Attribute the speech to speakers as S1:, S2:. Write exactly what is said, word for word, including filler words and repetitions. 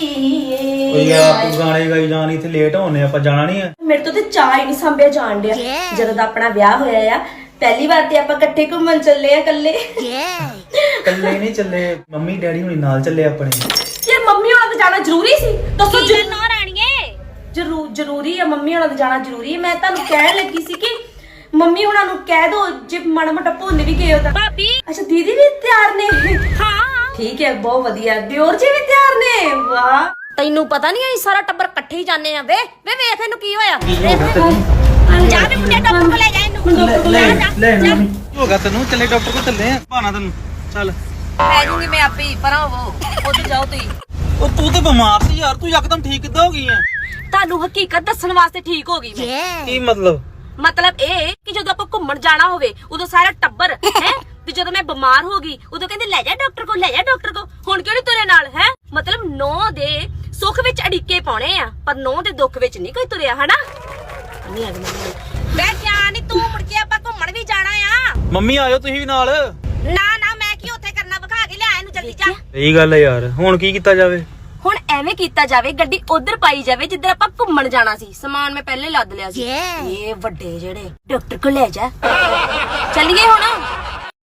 S1: ਓਏ ਯਾਰ ਤੂੰ ਗਾਣੇ ਗਾਈ ਜਾਣੀ ਇੱਥੇ ਲੇਟ ਹੋਣੇ ਆਪਾਂ ਜਾਣਾ ਨਹੀਂ ਹੈ।
S2: ਮੇਰੇ ਤੋਂ ਤੇ ਚਾਹ ਹੀ ਨਹੀਂ ਸੰਭਿਆ ਜਾਣ ਡਿਆ। ਜਦੋਂ ਦਾ ਆਪਣਾ ਵਿਆਹ ਹੋਇਆ ਆ ਪਹਿਲੀ ਵਾਰ ਤੇ ਆਪਾਂ ਇਕੱਠੇ ਘੁੰਮਣ ਚੱਲੇ ਆ ਕੱਲੇ।
S1: ਕੱਲੇ ਨਹੀਂ ਚੱਲੇ, ਮੰਮੀ ਡੈਡੀ ਹੁਣੀ ਨਾਲ ਚੱਲੇ ਆਪਣੇ।
S2: ਯਾਰ ਮੰਮੀ ਹੋਣਾ ਤੇ ਜਾਣਾ ਜ਼ਰੂਰੀ ਸੀ? ਦੱਸੋ
S3: ਜਰੂਰ ਨਾ ਰਾਣੀਏ
S2: ਜਰੂਰ ਜ਼ਰੂਰੀ ਆ, ਮੰਮੀ ਹੋਣਾ ਤੇ ਜਾਣਾ ਜ਼ਰੂਰੀ ਹੈ। ਮੈਂ ਤੁਹਾਨੂੰ ਕਹਿਣ ਲੱਗੀ ਸੀ ਕਿ ਮੰਮੀ ਹੋਣਾ ਨੂੰ ਕਹਿ ਦੋ ਜੇ ਮਾੜਾ ਮੋਟਾ ਭੁੱਲ ਵੀ ਗਏ ਹੋ ਤਾਂ।
S3: ਭਾਬੀ
S2: ਅੱਛਾ ਦੀਦੀ ਵੀ ਤਿਆਰ ਨੇ?
S3: ਹਾਂ
S2: ਠੀਕ ਹੈ, ਬਹੁਤ ਵਧੀਆ। ਦਿਓਰ ਜੀ ਵੀ ਤਿਆਰ ਨੇ? ਵਾਹ।
S3: ਤੈਨੂੰ ਪਤਾ ਨਹੀਂ ਅਸੀਂ ਸਾਰਾ ਟੱਬਰ ਇਕੱਠੇ ਹੀ ਜਾਂਦੇ ਆ। ਵੇ ਵੇ ਵੇਖ ਇਹਨੂੰ ਕੀ ਹੋਇਆ। ਜਾ ਵੀ ਮੁੰਡੇ ਡਾਕਟਰ ਕੋਲ ਲੈ ਜਾ ਇਹਨੂੰ।
S1: ਲੈ ਲੈ ਮੰਮੀ ਹੋ ਗਿਆ ਤੈਨੂੰ, ਚੱਲੇ ਡਾਕਟਰ ਕੋਲ ਚੱਲੇ ਆ। ਭਾਣਾ ਤੈਨੂੰ ਚੱਲ
S3: ਲੈ ਜੂਗੀ ਮੈਂ ਆਪੇ ਹੀ ਪਰਾਂ ਉਹ ਉੱਥੇ ਜਾਓ ਤੁਸੀਂ।
S1: ਉਹ ਤੂੰ ਤੇ ਬਿਮਾਰ ਸੀ ਯਾਰ, ਤੂੰ ਯਕਦਮ ਠੀਕ ਕਿੱਦਾਂ ਹੋ ਗਈ ਹੈ?
S3: ਤੁਹਾਨੂੰ ਹਕੀਕਤ ਦੱਸਣ ਵਾਸਤੇ ਠੀਕ ਹੋ ਗਈ ਮੈਂ।
S1: ਕੀ ਮਤਲਬ?
S3: ਮਤਲਬ ਇਹ ਕਿ ਜਦੋਂ ਆਪਾਂ ਘੁੰਮਣ ਜਾਣਾ ਹੋਵੇ ਉਦੋਂ ਸਾਰਾ ਟੱਬਰ ਹੈ ਤੇ ਜਦੋਂ ਮੈਂ ਬਿਮਾਰ ਹੋ ਗਈ ਉਦੋਂ ਕਹਿੰਦੇ ਲੈ ਜਾ ਡਾਕਟਰ ਕੋਲ, ਲੈ ਜਾ ਡਾਕਟਰ ਕੋਲ। ਹੁਣ ਕਿਉਂ ਨੀ ਤੁਰੇ ਨਾਲ ਹੈ? ਮਤਲਬ ਨੌ ਦੇ ਸੁੱਖ ਵਿੱਚ ਅੜਿੱਕੇ ਪਾਉਣੇ ਆ ਪਰ ਨੌ ਦੇ ਦੁੱਖ ਵਿੱਚ ਨਹੀਂ ਕੋਈ ਤੁਰਿਆ ਹਨਾ। ਨਹੀਂ ਅੱਜ ਮੈਂ ਕਿਹਾ ਨਹੀਂ ਤੂੰ ਮੁੜ ਕੇ ਆਪਾਂ ਘੁੰਮਣ ਵੀ ਜਾਣਾ ਆ।
S1: ਮੰਮੀ ਆਇਓ ਤੁਸੀਂ ਵੀ ਨਾਲ।
S3: ਨਾ ਨਾ ਮੈਂ ਕੀ ਉੱਥੇ ਕਰਨਾ, ਵਿਖਾ ਕੇ ਲਿਆ ਇਹਨੂੰ ਜਲਦੀ ਜਾ।
S1: ਸਹੀ ਗੱਲ ਹੈ ਯਾਰ, ਹੁਣ ਕੀ ਕੀਤਾ ਜਾਵੇ?
S3: ਹੁਣ ਐਵੇਂ ਕੀਤਾ ਜਾਵੇ ਗੱਡੀ ਉਧਰ ਪਾਈ ਜਾਵੇ ਜਿੱਧਰ ਆਪਾਂ ਘੁੰਮਣ ਜਾਣਾ ਸੀ। ਸਮਾਨ ਮੈਂ ਪਹਿਲੇ ਲੱਦ ਲਿਆ ਸੀ। ਇਹ ਵੱਡੇ ਜਿਹੜੇ ਡਾਕਟਰ ਕੋਲ ਲੈ ਜਾ। ਚੱਲੀਏ ਹੁਣ।